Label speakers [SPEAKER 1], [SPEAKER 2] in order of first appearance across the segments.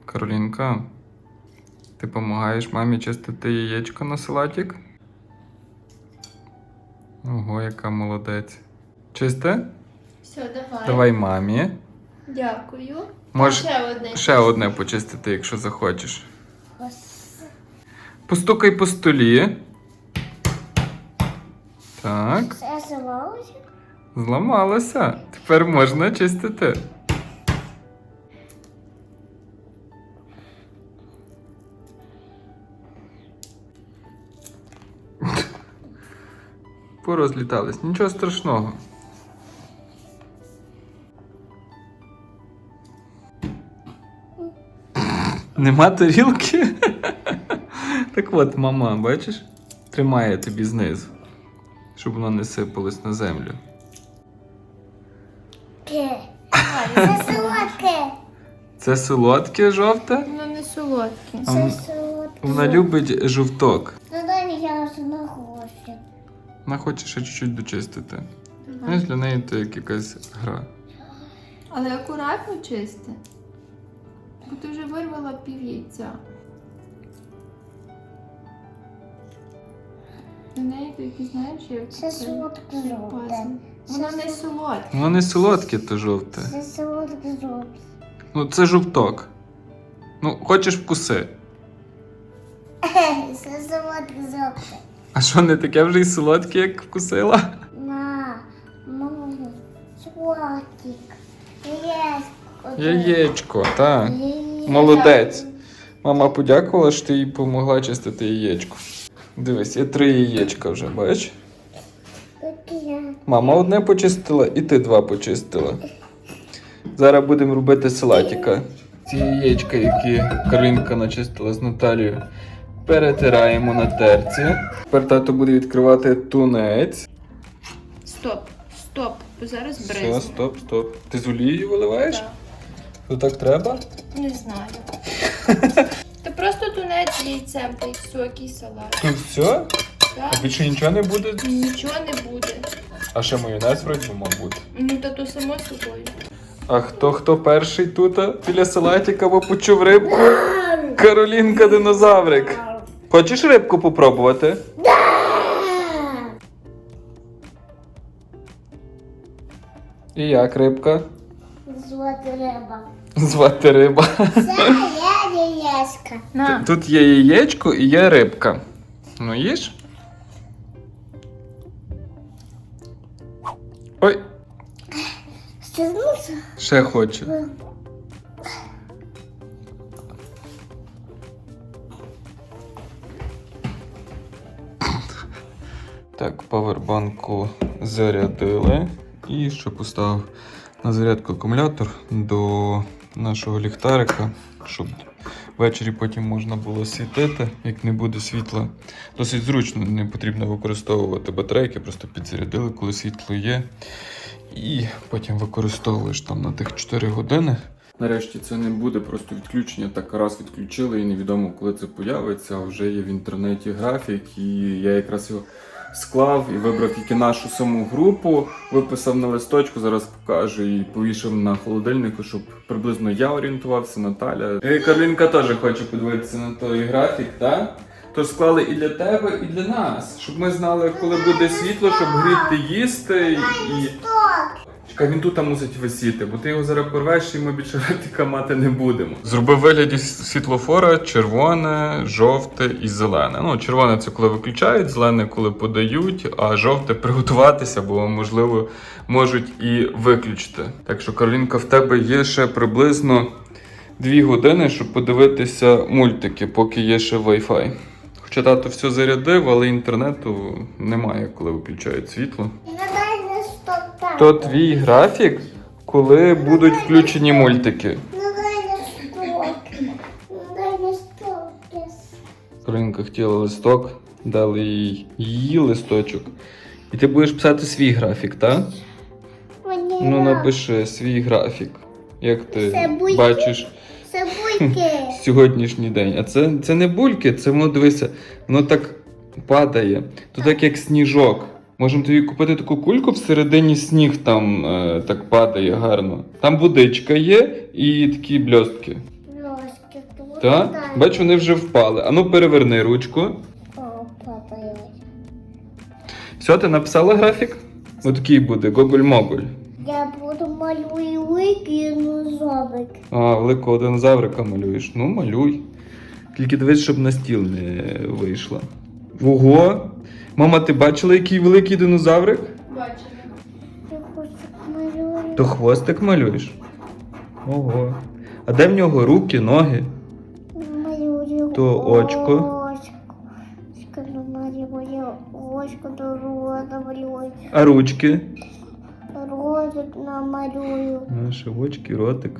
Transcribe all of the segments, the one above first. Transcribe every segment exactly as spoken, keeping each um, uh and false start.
[SPEAKER 1] Каролінка, ти допомагаєш мамі чистити яєчко на салатик? Ого, яка молодець. Чисте?
[SPEAKER 2] Все, давай.
[SPEAKER 1] Давай мамі.
[SPEAKER 2] Дякую.
[SPEAKER 1] Можеш
[SPEAKER 2] Ще одне.
[SPEAKER 1] ще одне почистити, якщо захочеш. Постукай по столі. Так.
[SPEAKER 3] Це зламалося?
[SPEAKER 1] Зламалося. Тепер можна чистити. Порозлітались. Нічого страшного. Нема тарілки? Так от, мама, бачиш? Тримає тобі знизу, щоб воно не сипалось на землю.
[SPEAKER 3] Ке. Це солодке.
[SPEAKER 1] Це солодке жовте?
[SPEAKER 2] Воно не солодке.
[SPEAKER 1] А
[SPEAKER 3] Це
[SPEAKER 1] м-
[SPEAKER 3] солодке.
[SPEAKER 1] Вона любить жовток.
[SPEAKER 3] Ну дай я вже не хочу.
[SPEAKER 1] Вона хоче ще чуть-чуть дочистити.
[SPEAKER 2] Давай.
[SPEAKER 1] Знаєш, для неї це як якась гра.
[SPEAKER 2] Але акуратно чисти. Бо ти вже вирвала пів яйця. До неї тільки знаєш, як
[SPEAKER 3] Це солодке жовте.
[SPEAKER 2] пазл. Воно не солодке.
[SPEAKER 1] Воно не солодке, то жовте.
[SPEAKER 3] Це солодке жовте.
[SPEAKER 1] Ну, це жовток. Ну, хочеш вкуси.
[SPEAKER 3] Це солодке жовте.
[SPEAKER 1] А що, не таке вже й солодке, як вкусила?
[SPEAKER 3] На, маму, солодкик. Яєчко.
[SPEAKER 1] Яєчко, так.
[SPEAKER 3] Яєчко.
[SPEAKER 1] Молодець. Мама подякувала, що ти їй допомогла чистити яєчко. Дивись, є три яєчка вже, бачиш?
[SPEAKER 3] Таке.
[SPEAKER 1] Мама одне почистила і ти два почистила. Зараз будемо робити салатика. Ці яєчка, які Каролінка начистила з Наталією, перетираємо на терці. Тепер тато буде відкривати тунець.
[SPEAKER 2] Стоп, стоп, бо зараз
[SPEAKER 1] Все,
[SPEAKER 2] бризне.
[SPEAKER 1] стоп, стоп. Ти з олією виливаєш?
[SPEAKER 2] Так.
[SPEAKER 1] То так треба?
[SPEAKER 2] Не знаю. Та просто тунець з яйцем та й високий салат.
[SPEAKER 1] Тут все?
[SPEAKER 2] Так?
[SPEAKER 1] А більше нічого не буде?
[SPEAKER 2] Нічого не буде.
[SPEAKER 1] А ще майонез вроді мав бути.
[SPEAKER 2] Ну та то само собою.
[SPEAKER 1] А хто хто перший тут біля салатика, бо почув рибку? Каролінка динозаврик. Хочеш рибку попробувати? І як рибка?
[SPEAKER 3] Звати риба.
[SPEAKER 1] Звати риба.
[SPEAKER 3] Це я яєчка.
[SPEAKER 2] На.
[SPEAKER 1] Тут є яєчко і є рибка. Ну їж? Ой,
[SPEAKER 3] Стягнувся?
[SPEAKER 1] ще хочу. Так, павербанку зарядили. І ще поставив на зарядку акумулятор до нашого ліхтарика, щоб ввечері потім можна було світити, як не буде світла. Досить зручно, не потрібно використовувати батарейки, просто підзарядили, коли світло є. І потім використовуєш там на тих чотири години. Нарешті це не буде просто відключення, так раз відключили і невідомо, коли це появиться, а вже є в інтернеті графік, і я якраз його склав і вибрав тільки нашу саму групу, виписав на листочку, зараз покажу і повішав на холодильнику, щоб приблизно я орієнтувався, Наталя. І Каролінка теж хоче подивитися на той графік, так? Тож склали і для тебе, і для нас, щоб ми знали, коли буде світло, щоб гріти, їсти і... Чекай, він тут мусить висіти, бо ти його зараз порвеш і ми більше графіка мати не будемо. Зробив вигляді світлофора червоне, жовте і зелене. Ну, червоне це коли виключають, зелене коли подають, а жовте приготуватися, бо можливо можуть і виключити. Так що, Каролінка, в тебе є ще приблизно дві години, щоб подивитися мультики, поки є ще Wi-Fi. Хоча тато все зарядив, але інтернету немає, коли виключають світло. То твій графік, коли будуть включені мультики.
[SPEAKER 3] Ну дай на сток. Ну дай на сток.
[SPEAKER 1] Каролінка хотіла листок, дали їй її листочок. І ти будеш писати свій графік, так?
[SPEAKER 3] Мені
[SPEAKER 1] Ну напиши свій графік. Як ти
[SPEAKER 3] Це бульки.
[SPEAKER 1] бачиш
[SPEAKER 3] Це бульки.
[SPEAKER 1] сьогоднішній день. А це, це не бульки, це воно, дивися, воно так падає. То так як сніжок. Можемо тобі купити таку кульку, всередині сніг там е, так падає гарно. Там водичка є і такі бльостки.
[SPEAKER 3] Ложки.
[SPEAKER 1] Так? Бач, вони вже впали. Ану, переверни ручку.
[SPEAKER 3] О, папа, я.
[SPEAKER 1] Все, ти написала графік? Отакий буде, гоголь-моголь.
[SPEAKER 3] Я буду малюю викину.
[SPEAKER 1] А, великого динозаврика малюєш. Ну, малюй. Тільки дивись, щоб на стіл не вийшло. Ого! Мама, ти бачила, який великий динозаврик?
[SPEAKER 2] Бачила.
[SPEAKER 3] Я хвостик малюю.
[SPEAKER 1] То хвостик малюєш? Ого. А де в нього руки, ноги?
[SPEAKER 3] Малюю.
[SPEAKER 1] То очко.
[SPEAKER 3] Очко. Очко намалюю. Очко до рота малюю.
[SPEAKER 1] А ручки?
[SPEAKER 3] Ротик намалюю.
[SPEAKER 1] Наші очки, ротик.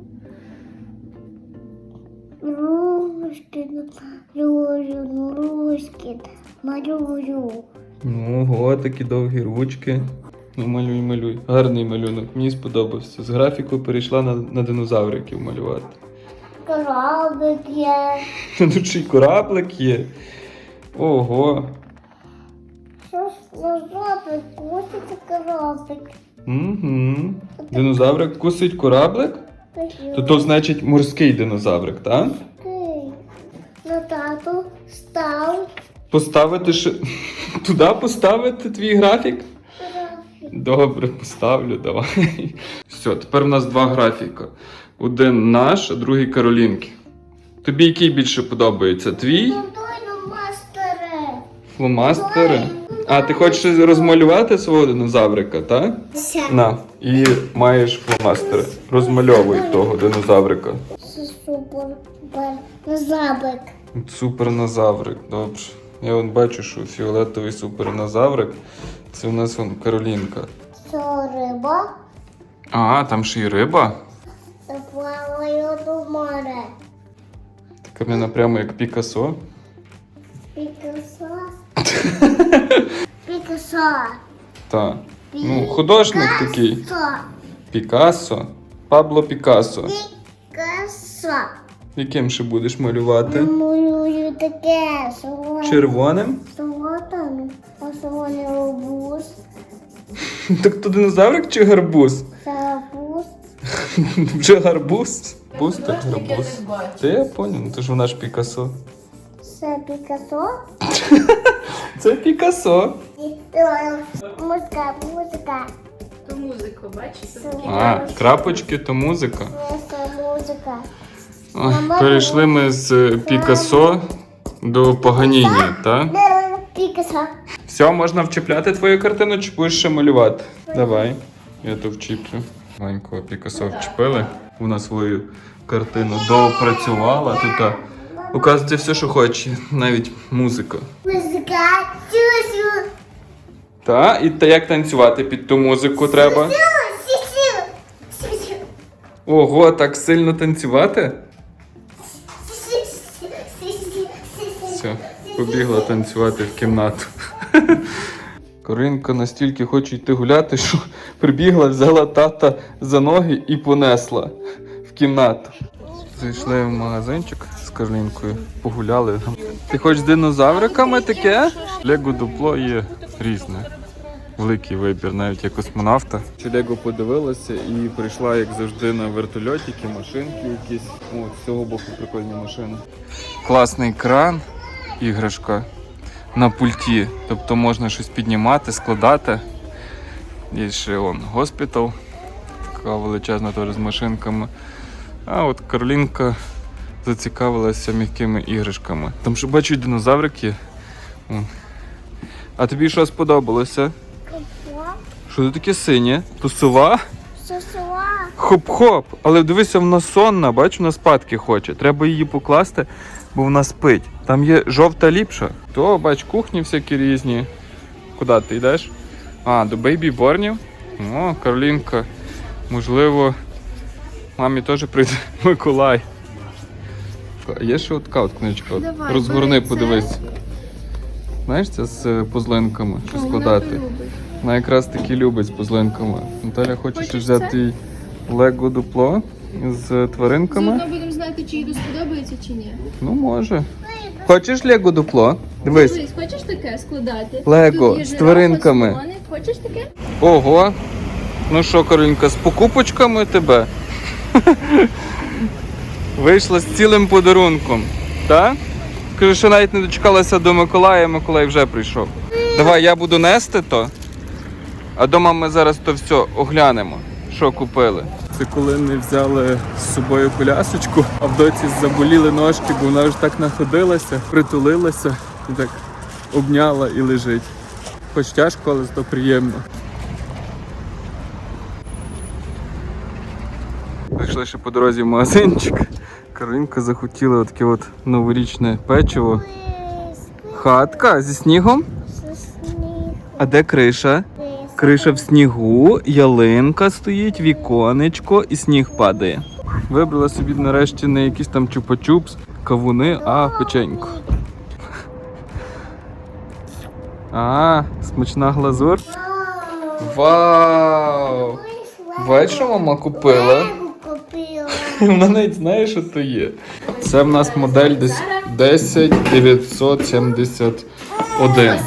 [SPEAKER 3] Ручки намалюю. Ручки малюю.
[SPEAKER 1] Ну, ого, такі довгі ручки. Ну, малюй, малюй. Гарний малюнок, мені сподобався. З графіку перейшла на, на динозавриків малювати.
[SPEAKER 3] Кораблик є.
[SPEAKER 1] Тут ще й кораблик є. Ого.
[SPEAKER 3] Що ж на жопі кусить кораблик?
[SPEAKER 1] Угу. Динозаврик кусить кораблик? То то значить морський динозаврик, так?
[SPEAKER 3] Окей. На тату став.
[SPEAKER 1] Поставити ще. Туди поставити твій графік? Добре, поставлю, давай. Все, тепер у нас два графіка. Один наш, а другий Каролінки. Тобі який більше подобається? Твій?
[SPEAKER 3] Ну дай на мастере.
[SPEAKER 1] Фломастери? А, ти хочеш розмалювати свого динозаврика, так? На, і маєш фломастери. Розмальовуй того динозаврика.
[SPEAKER 3] Це супер. Бер. Забик.
[SPEAKER 1] Супернозаврик, добре. Я вон бачу, що фіолетовий супернозаврик. Це у нас вон Каролінка.
[SPEAKER 3] Це риба.
[SPEAKER 1] А, там ще й риба.
[SPEAKER 3] Та плаваю до моря.
[SPEAKER 1] Така мене прямо як Пікассо.
[SPEAKER 3] Пікасо. Пікасо.
[SPEAKER 1] Так. Ну, художник такий.
[SPEAKER 3] Пікасо.
[SPEAKER 1] Пікассо. Пабло Пікассо.
[SPEAKER 3] Пікасо.
[SPEAKER 1] Яким ще будеш малювати?
[SPEAKER 3] Малюю таке. Солоне.
[SPEAKER 1] Червоним?
[SPEAKER 3] Солотами. А солоне обуз.
[SPEAKER 1] Так то динозаврик чи гарбуз?
[SPEAKER 3] Сапуз.
[SPEAKER 1] Вже гарбуз? Гарбуз так гарбуз. Це я поняв, ну то ж вона ж Пікассо.
[SPEAKER 3] Це Пікасо.
[SPEAKER 1] Це Пікассо.
[SPEAKER 3] Музика, музика.
[SPEAKER 2] То музику, бачите?
[SPEAKER 1] А, крапочки то музика.
[SPEAKER 3] Це музика.
[SPEAKER 1] Ой, перейшли ми з Пікассо до Паганіні, так?
[SPEAKER 3] Пікасо.
[SPEAKER 1] Все, можна вчіпляти твою картину, чи будеш ще малювати? Давай, я то вчіплю. Маленького Пікассо вчепили. Вона свою картину доопрацювала. Тут, а, оказується, все, що хоче, навіть музика.
[SPEAKER 3] Музика. Сю-сю.
[SPEAKER 1] Та, і та як танцювати під ту музику треба?
[SPEAKER 3] Сю-сю. Сю-сю.
[SPEAKER 1] Ого, так сильно танцювати?
[SPEAKER 3] Сю-сю. Сю-сю. Сю-сю.
[SPEAKER 1] Все, побігла танцювати в кімнату. Каринка настільки хоче йти гуляти, що прибігла, взяла тата за ноги і понесла в кімнату. Зайшли в магазинчик з Каролінкою, погуляли. Ти хочеш з динозавриками таке? Лего дупло є різне. Великий вибір, навіть як космонавта. Чи Лего подивилася і прийшла, як завжди, на вертольотики, машинки якісь. О, з цього боку прикольні машини. Класний кран, іграшка на пульті. Тобто можна щось піднімати, складати. Є ще он госпітал. Така величезна теж з машинками. А от Каролінка зацікавилася м'якими іграшками. Там ще бачу динозаврики. А тобі що сподобалося? Що це таке синє? То сова?
[SPEAKER 3] Сосуа.
[SPEAKER 1] Хоп-хоп! Але дивися, вона сонна, бачу, вона спадки хоче. Треба її покласти, бо вона спить. Там є жовта ліпша. То, бач, кухні всякі різні. Куди ти йдеш? А, до бейбі-борнів. О, Каролінка. Можливо, мамі теж прийде Миколай. Є ще от така от книжка. От.
[SPEAKER 2] Давай,
[SPEAKER 1] Розгорни,
[SPEAKER 2] бери це.
[SPEAKER 1] подивись. Знаєш, це з е, пузлинками, що складати. Вона якраз таки любить з пузлинками. Наталя хоче ще
[SPEAKER 2] Хочеш
[SPEAKER 1] взяти їй лего дупло з тваринками.
[SPEAKER 2] Заодно будемо знати, чи їй сподобається, чи ні.
[SPEAKER 1] Ну, може. Хочеш лего дупло? Дивись.
[SPEAKER 2] Дивись, хочеш таке складати?
[SPEAKER 1] Лего
[SPEAKER 2] Тут є
[SPEAKER 1] з
[SPEAKER 2] жирафа,
[SPEAKER 1] тваринками.
[SPEAKER 2] слоник. Хочеш таке?
[SPEAKER 1] Ого. Ну що, Каролінка, з покупочками тебе? Вийшла з цілим подарунком. Так? Скажи, що навіть не дочекалася до Миколая, Миколай вже прийшов. Давай, я буду нести то, а дома ми зараз то все оглянемо, що купили. Це коли ми взяли з собою колясочку, а в доці заболіли ножки, бо вона вже так находилася, притулилася і так обняла і лежить. Хоч тяжко, але зато приємно. Вийшли ще по дорозі в магазинчик. Каролінка захотіла таке от новорічне печиво. Хатка зі снігом. А де криша? Криша в снігу, ялинка стоїть, віконечко і сніг падає. Вибрала собі нарешті не якісь там чупа-чупс, кавуни, а печеньку. А, смачна глазур. Вау! Бачиш, що мама купила? Вона навіть знає, що то є. Це в нас модель десь десять дев'ятсот сімдесят один.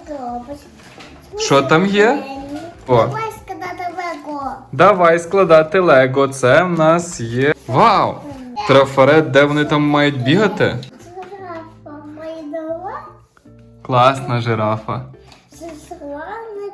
[SPEAKER 1] Що там є? О.
[SPEAKER 3] Давай складати лего.
[SPEAKER 1] Давай складати лего. Це в нас є. Вау! Трафарет, де вони там мають бігати?
[SPEAKER 3] Жирафа майдала.
[SPEAKER 1] Класна жирафа.
[SPEAKER 3] Зеслана.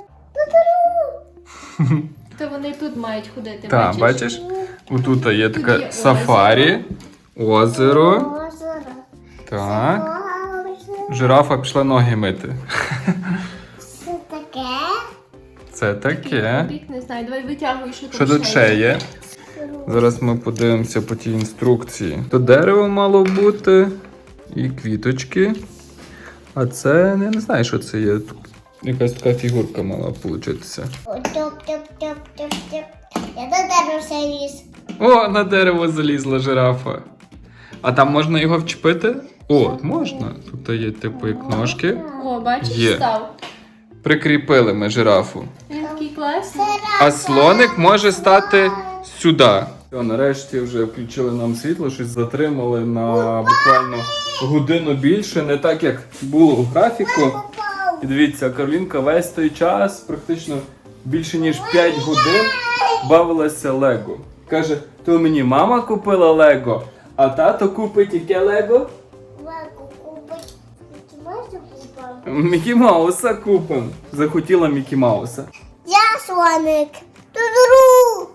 [SPEAKER 2] То вони тут мають ходити.
[SPEAKER 1] Так, бачиш? Отут є
[SPEAKER 2] Тут
[SPEAKER 1] таке
[SPEAKER 2] є
[SPEAKER 1] сафарі, озеро.
[SPEAKER 3] Озеро.
[SPEAKER 1] Так. Жирафа пішла ноги мити.
[SPEAKER 3] Це таке.
[SPEAKER 1] Це таке.
[SPEAKER 2] Бік не знаю, давай витягуй, що тут
[SPEAKER 1] Що тут ще є? Зараз ми подивимося по тій інструкції. То дерево мало бути і квіточки. А це я не знаю, що це є. Якась така фігурка мала получитися.
[SPEAKER 3] Тьоп-тьоп-тьоп-тьоп-тьоп. Я до тебе все ліз.
[SPEAKER 1] О, на дерево залізла жирафа. А там можна його вчепити? О, можна. Тут є типу як ножки.
[SPEAKER 2] О, бачиш,
[SPEAKER 1] Є.
[SPEAKER 2] став.
[SPEAKER 1] Прикріпили ми жирафу.
[SPEAKER 2] Він такий класний.
[SPEAKER 1] А слоник може стати сюди. Все, нарешті вже включили нам світло, щось затримали на буквально годину більше, не так як було у графіку. І дивіться, Каролінка весь той час, практично більше ніж п'ять годин, бавилася Лего. Каже, то мені мама купила Лего, а тато купить яке Лего?
[SPEAKER 3] Лего купить. Ти можеш купити?
[SPEAKER 1] Мікі Мауса купимо. Захотіла Мікі Мауса.
[SPEAKER 3] Я слоник. Ту-ду-ру.